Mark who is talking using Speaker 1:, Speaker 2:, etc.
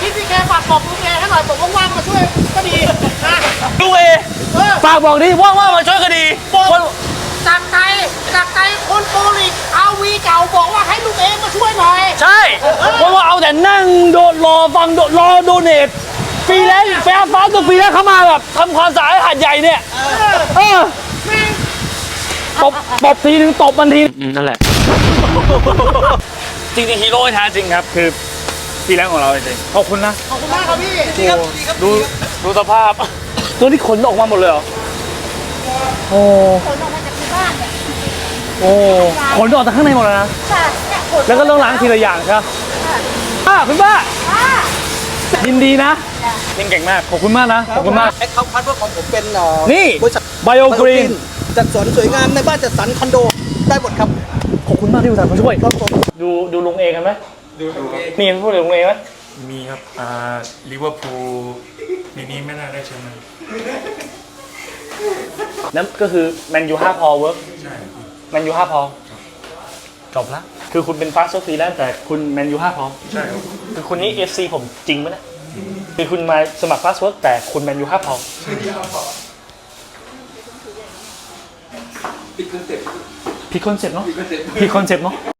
Speaker 1: พี่แกฝากบอกลุงแกให้หน่อยผมว่างๆมาช่วยก็ดีนะ
Speaker 2: ลุงเอฝากบอกดิว่ามาช่วยกันดีคน
Speaker 1: จากใจคนโปรลิกเอาวีเก่าบอกว่าให้ลุงเอมาช่วยหน่อย
Speaker 2: ใช่เพราะว่าเอาแต่นั่งโดดรอฟังรอโดเนทฟรีแลนซ์แฟร์ฟ้าตัวฟรีแลนซ์เข้ามาแบบทำความสะอาดหาดใหญ่เนี่ยตบทีนึงตบมันทีนั่นแหละจริงๆฮีโร่แท้จริงครับคือฟรีแลนซ์ของเราจริงขอบคุณนะ
Speaker 1: ขอบคุณมากครับพี่ดีครับ
Speaker 2: ดูสภาพตัวนี้ขนออกมาหมดเลยเหรอโอ้
Speaker 3: ขนออกมาจากที่บ้านเนี่ย
Speaker 2: โอ้ขนออกจากข้างในหมดแล้วนะ
Speaker 3: ค่ะ
Speaker 2: แล้วก็ต้องล้างทีละอย่างใช่ไหมคุณป้ายินดีนะยังเก่งมากขอบคุณมากนะขอบคุณมาก
Speaker 4: แอคเคาท์พาร์ทเนอร์ของผมเป็น
Speaker 2: นี่
Speaker 4: บริษัท
Speaker 2: Biogreen
Speaker 4: จัดสวนสวยงามในบ้านจัดสรรคอนโดได้หมดครับ
Speaker 2: ขอบคุณมากที่อุตส่าห์มาช่วย
Speaker 4: ครับผม
Speaker 2: ดูลุงเอกันไหม
Speaker 5: ดู
Speaker 2: มีพูดถึงลุงเอไหม
Speaker 5: มีครับลิเวอร์พูลปีนี้ไม่น่าได้แชมป์นะ
Speaker 2: นั่นก็คือแมนยู5 พอเวิร์ก
Speaker 5: ใช่
Speaker 2: แมนยู5 พอจบละคือคุณเป็นฟาสต์ฟรีแลนซ์แต่คุณแมนยู5 พอ
Speaker 5: ใช่ครับ
Speaker 2: คือคุณนี่ FC ผมจริงไหมเนี่ยคือคุณมาสมัครฟาสต์เวิร์กแต่คุณแมนยู5 พอผิดคอนเซ็ปต์เนาะ